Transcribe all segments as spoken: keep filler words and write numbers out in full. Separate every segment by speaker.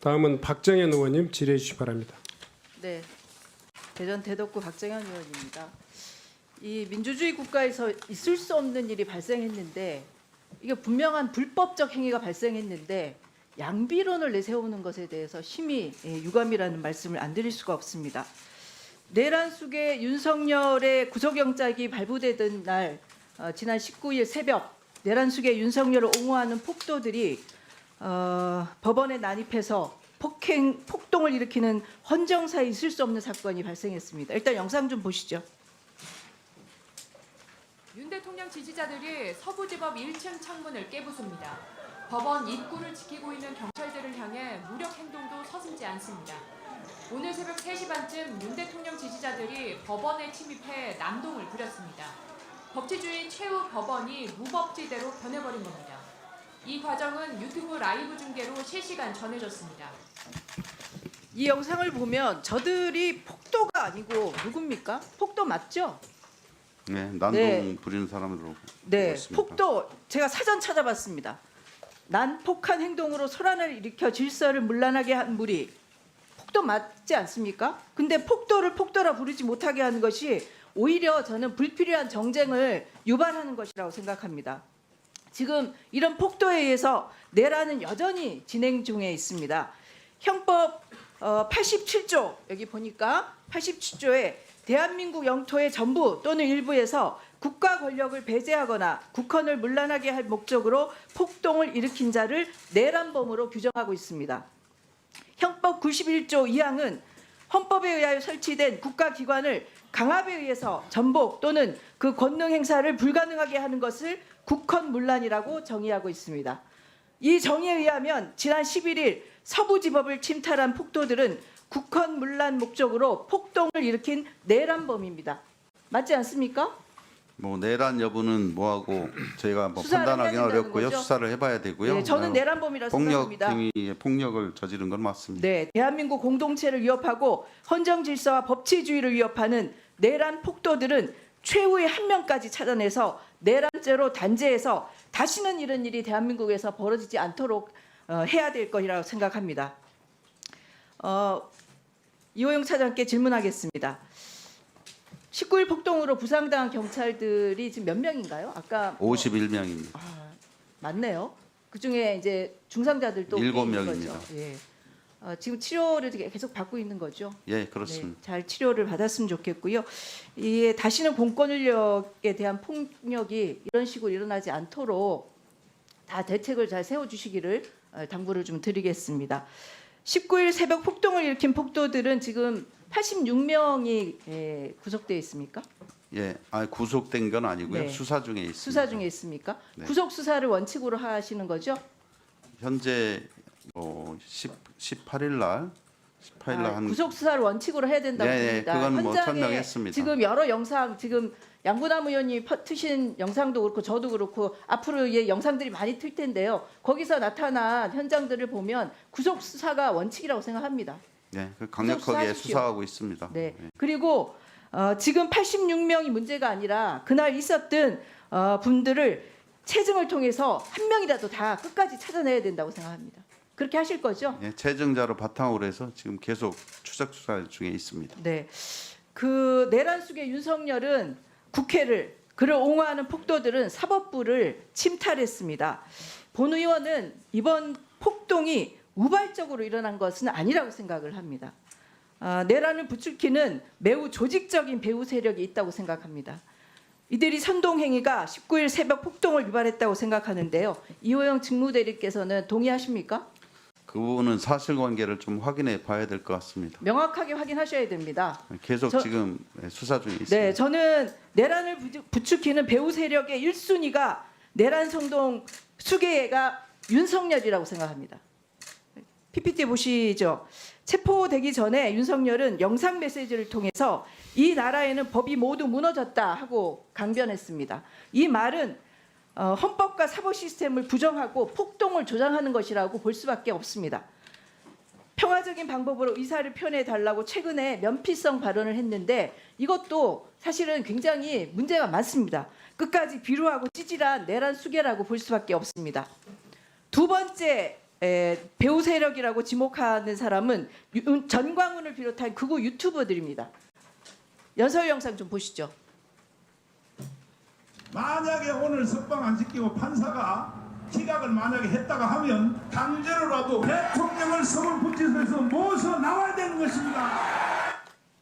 Speaker 1: 다음은 박정현 의원님 질의해 주시기 바랍니다.
Speaker 2: 네, 대전 대덕구 박정현 의원입니다. 이 민주주의 국가에서 있을 수 없는 일이 발생했는데 이게 분명한 불법적 행위가 발생했는데 양비론을 내세우는 것에 대해서 심히 유감이라는 말씀을 안 드릴 수가 없습니다. 내란 속에 윤석열의 구속영장이 발부되던 날 어, 지난 십구 일 새벽 내란 속에 윤석열을 옹호하는 폭도들이 어, 법원에 난입해서 폭행, 폭동을 일으키는 헌정사에 있을 수 없는 사건이 발생했습니다. 일단 영상 좀 보시죠.
Speaker 3: 윤 대통령 지지자들이 서부지법 일 층 창문을 깨부숩니다. 법원 입구를 지키고 있는 경찰들을 향해 무력 행동도 서슴지 않습니다. 오늘 새벽 세 시 반쯤 윤 대통령 지지자들이 법원에 침입해 난동을 부렸습니다. 법치주의 최후 법원이 무법지대로 변해버린 겁니다. 이 과정은 유튜브 라이브 중계로 실시간 전해졌습니다.
Speaker 2: 이 영상을 보면 저들이 폭도가 아니고 누굽니까? 폭도 맞죠?
Speaker 4: 네, 난동
Speaker 2: 네.
Speaker 4: 부리는 사람으로
Speaker 2: 네,
Speaker 4: 보고 있습니다.
Speaker 2: 폭도 제가 사전 찾아봤습니다. 난폭한 행동으로 소란을 일으켜 질서를 문란하게 한 무리 폭도 맞지 않습니까? 근데 폭도를 폭도라 부르지 못하게 하는 것이 오히려 저는 불필요한 정쟁을 유발하는 것이라고 생각합니다. 지금 이런 폭도에 의해서 내란은 여전히 진행 중에 있습니다. 형법 팔십칠 조 여기 보니까 팔십칠 조에 대한민국 영토의 전부 또는 일부에서 국가 권력을 배제하거나 국헌을 문란하게 할 목적으로 폭동을 일으킨 자를 내란범으로 규정하고 있습니다. 형법 구십일 조 이 항은 헌법에 의하여 설치된 국가기관을 강압에 의해서 전복 또는 그 권능 행사를 불가능하게 하는 것을 국헌문란이라고 정의하고 있습니다. 이 정의에 의하면 지난 십일 일 서부지법을 침탈한 폭도들은 국헌문란 목적으로 폭동을 일으킨 내란범입니다. 맞지 않습니까?
Speaker 4: 뭐 내란 여부는 뭐하고 저희가 뭐
Speaker 2: 수사를
Speaker 4: 판단하기는
Speaker 2: 해야 된다는
Speaker 4: 어렵고요.
Speaker 2: 거죠?
Speaker 4: 수사를 해봐야 되고요.
Speaker 2: 네, 저는
Speaker 4: 어,
Speaker 2: 내란범이라고
Speaker 4: 폭력
Speaker 2: 생각합니다.
Speaker 4: 행위에 폭력을 저지른 건 맞습니다.
Speaker 2: 네, 대한민국 공동체를 위협하고 헌정 질서와 법치주의를 위협하는 내란 폭도들은 최후의 한 명까지 찾아내서 내란죄로 단죄해서 다시는 이런 일이 대한민국에서 벌어지지 않도록 어, 해야 될 것이라고 생각합니다. 어, 이호영 차장께 질문하겠습니다. 십구 일 폭동으로 부상당한 경찰들이 지금 몇 명인가요? 아까 뭐,
Speaker 4: 오십일 명입니다.
Speaker 2: 아, 맞네요. 그 중에 이제 중상자들도
Speaker 4: 일곱
Speaker 2: 있는
Speaker 4: 명입니다.
Speaker 2: 거죠. 예. 어, 지금 치료를 계속 받고 있는 거죠.
Speaker 4: 예, 그렇습니다.
Speaker 2: 네, 잘 치료를 받았으면 좋겠고요. 이게 다시는 공권 인력에 대한 폭력이 이런 식으로 일어나지 않도록 다 대책을 잘 세워주시기를 당부를 좀 드리겠습니다. 십구 일 새벽 폭동을 일으킨 폭도들은 지금 팔십육 명이 예, 구속되어 있습니까?
Speaker 4: 예, 아 구속된 건 아니고요.
Speaker 2: 네.
Speaker 4: 수사 중에 있습니다.
Speaker 2: 수사 중에 있습니까?
Speaker 4: 네.
Speaker 2: 구속 수사를 원칙으로 하시는 거죠?
Speaker 4: 현재 뭐 십팔 일 날 십팔 일 날
Speaker 2: 아,
Speaker 4: 한
Speaker 2: 구속 수사를 원칙으로 해야 된다고
Speaker 4: 네, 네,
Speaker 2: 봅니다.
Speaker 4: 그건 뭐
Speaker 2: 현장에
Speaker 4: 천명했습니다.
Speaker 2: 지금 여러 영상 지금 양부남 의원이 트신 영상도 그렇고 저도 그렇고 앞으로 예, 영상들이 많이 틀 텐데요. 거기서 나타난 현장들을 보면 구속 수사가 원칙이라고 생각합니다.
Speaker 4: 네, 그 강력하게
Speaker 2: 수사하십시오.
Speaker 4: 수사하고 있습니다.
Speaker 2: 네.
Speaker 4: 네.
Speaker 2: 그리고 어, 지금 팔십육 명이 문제가 아니라 그날 있었던 어, 분들을 체증을 통해서 한 명이라도 다 끝까지 찾아내야 된다고 생각합니다. 그렇게 하실 거죠?
Speaker 4: 예, 체증자로 바탕으로 해서 지금 계속 추적 수사 중에 있습니다.
Speaker 2: 네. 그 내란 속의 윤석열은 국회를 그를 옹호하는 폭도들은 사법부를 침탈했습니다. 본 의원은 이번 폭동이 우발적으로 일어난 것은 아니라고 생각을 합니다. 아, 내란을 부추기는 매우 조직적인 배후 세력이 있다고 생각합니다. 이들이 선동행위가 십구 일 새벽 폭동을 유발했다고 생각하는데요. 이호영 직무대리께서는 동의하십니까?
Speaker 4: 그 부분은 사실관계를 좀 확인해 봐야 될 것 같습니다.
Speaker 2: 명확하게 확인하셔야 됩니다.
Speaker 4: 계속
Speaker 2: 저-
Speaker 4: 지금 수사 중에 있습니다.
Speaker 2: 네, 저는 내란을 부추- 부추기는 배후 세력의 일 순위가 내란 선동 수괴가 윤석열이라고 생각합니다. 피피티 보시죠. 체포되기 전에 윤석열은 영상 메시지를 통해서 이 나라에는 법이 모두 무너졌다 하고 강변했습니다. 이 말은 어, 헌법과 사법 시스템을 부정하고 폭동을 조장하는 것이라고 볼 수밖에 없습니다. 평화적인 방법으로 의사를 표현해 달라고 최근에 면피성 발언을 했는데 이것도 사실은 굉장히 문제가 많습니다. 끝까지 비루하고 찌질한 내란 수괴라고 볼 수밖에 없습니다. 두 번째 에, 배우 세력이라고 지목하는 사람은 유- 전광훈을 비롯한 극우 유튜버들입니다. 연설 영상 좀 보시죠.
Speaker 5: 만약에 오늘 석방 안 시키고 판사가 기각을 만약에 했다가 하면 강제로라도 대통령을 서울구치소에서 모셔 나와야 되는 것입니다.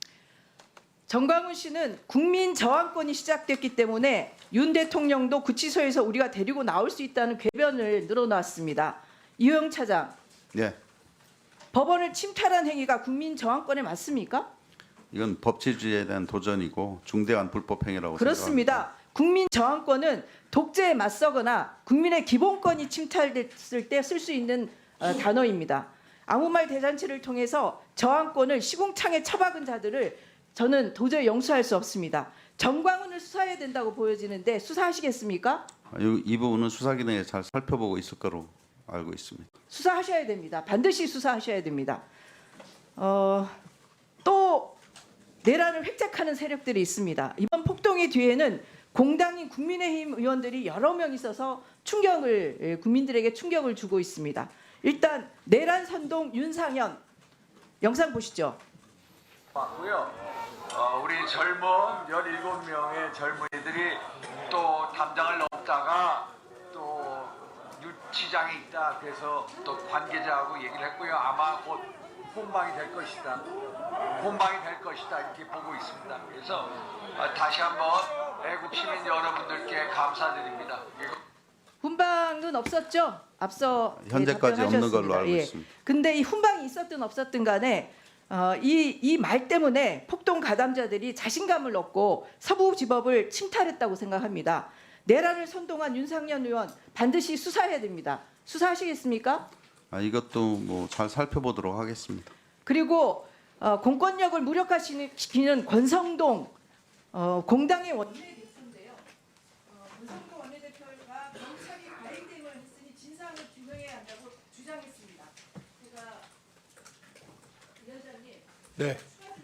Speaker 2: 정광훈 씨는 국민 저항권이 시작됐기 때문에 윤 대통령도 구치소에서 우리가 데리고 나올 수 있다는 궤변을 늘어놨습니다. 이호영 차장,
Speaker 4: 예,
Speaker 2: 법원을 침탈한 행위가 국민 저항권에 맞습니까?
Speaker 4: 이건 법치주의에 대한 도전이고 중대한 불법 행위라고
Speaker 2: 그렇습니다. 국민 저항권은 독재에 맞서거나 국민의 기본권이 침탈됐을 때 쓸 수 있는 어, 단어입니다. 아무 말 대잔치를 통해서 저항권을 시궁창에 처박은 자들을 저는 도저히 용서할 수 없습니다. 정광훈을 수사해야 된다고 보여지는데 수사하시겠습니까?
Speaker 4: 생각합니다. 이, 이 부분은 수사기능에 잘 살펴보고 있을 거로 알고 있습니다.
Speaker 2: 수사하셔야 됩니다. 반드시 수사하셔야 됩니다. 어, 또 내란을 획책하는 세력들이 있습니다. 이번 폭동의 뒤에는 공당인 국민의힘 의원들이 여러 명 있어서 충격을 예, 국민들에게 충격을 주고 있습니다. 일단 내란 선동 윤상현 영상 보시죠.
Speaker 6: 맞고요. 어, 우리 젊은 열일곱 명의 젊은이들이 또 담장을 넘다가 또 유치장에 있다. 그래서 또 관계자하고 얘기를 했고요. 아마 곧 혼방이 될 것이다. 혼방이 될 것이다. 이렇게 보고 있습니다. 그래서 어, 다시 한번 애국 시민 여러분들께 감사드립니다.
Speaker 2: 훈방은 없었죠? 앞서 예,
Speaker 4: 현재까지 없는 걸로
Speaker 2: 답변하셨습니다.
Speaker 4: 알고
Speaker 2: 예.
Speaker 4: 있습니다.
Speaker 2: 근데 이 훈방이 있었든 없었든 간에 어, 이이 말 때문에 폭동 가담자들이 자신감을 얻고 서부지법을 침탈했다고 생각합니다. 내란을 선동한 윤상현 의원 반드시 수사해야 됩니다. 수사하시겠습니까?
Speaker 4: 아, 이것도 뭐 잘 살펴보도록 하겠습니다.
Speaker 2: 그리고 어, 공권력을 무력화시키는 권성동 어, 공당의 원내대표인데요. 어, 권성동 원내대표가 경찰이 과잉 대응을 했으니 진상을 규명해야 한다고 주장했습니다. 제가 위원장님
Speaker 1: 네.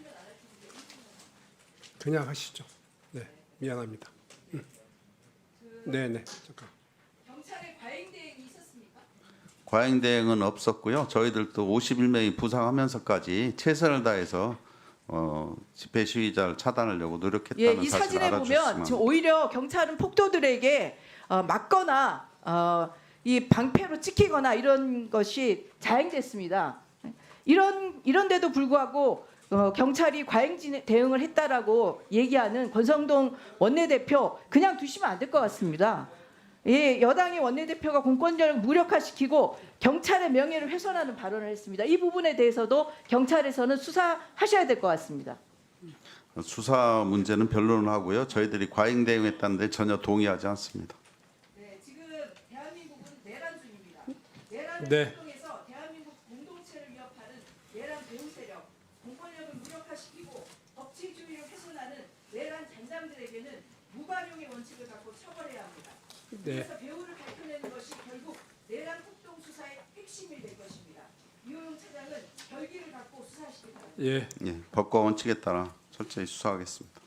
Speaker 1: 그냥 하시죠. 네, 미안합니다. 음. 네, 네. 잠깐.
Speaker 2: 경찰의 과잉 대응이 있었습니까?
Speaker 4: 과잉 대응은 없었고요. 저희들도 오십일 명이 부상하면서까지 최선을 다해서 어, 집회 시위자를 차단하려고
Speaker 2: 예,
Speaker 4: 노력했다는
Speaker 2: 이
Speaker 4: 사실을
Speaker 2: 사진에 보면
Speaker 4: 알아주셨으면
Speaker 2: 지금 오히려 경찰은 폭도들에게 어, 맞거나 어, 이 방패로 찍히거나 이런 것이 자행됐습니다. 이런 이런데도 불구하고 어, 경찰이 과잉 진행- 대응을 했다라고 얘기하는 권성동 원내대표 그냥 두시면 안 될 것 같습니다. 예, 여당의 원내대표가 공권력을 무력화시키고 경찰의 명예를 훼손하는 발언을 했습니다. 이 부분에 대해서도 경찰에서는 수사하셔야 될 것 같습니다.
Speaker 4: 수사 문제는 변론을 하고요. 저희들이 과잉 대응했다는데 전혀 동의하지 않습니다.
Speaker 2: 네, 지금 대한민국은 내란 중입니다. 내란을
Speaker 1: 네.
Speaker 2: 통해서 대한민국 공동체를 위협하는 내란 배후 세력, 공권력을 무력화시키고 법치주의를 훼손하는 내란 잔장들에게는 무관용의 원칙을 갖고 처벌해야 합니다.
Speaker 1: 네.
Speaker 2: 그래서 배후를 밝혀내는 것이 결국 내란 폭동 수사의 핵심이 될 것입니다. 이호영 차장은 결기를 갖고 수사하시기 바랍니다.
Speaker 1: 예.
Speaker 4: 예, 법과 원칙에 따라 철저히 수사하겠습니다.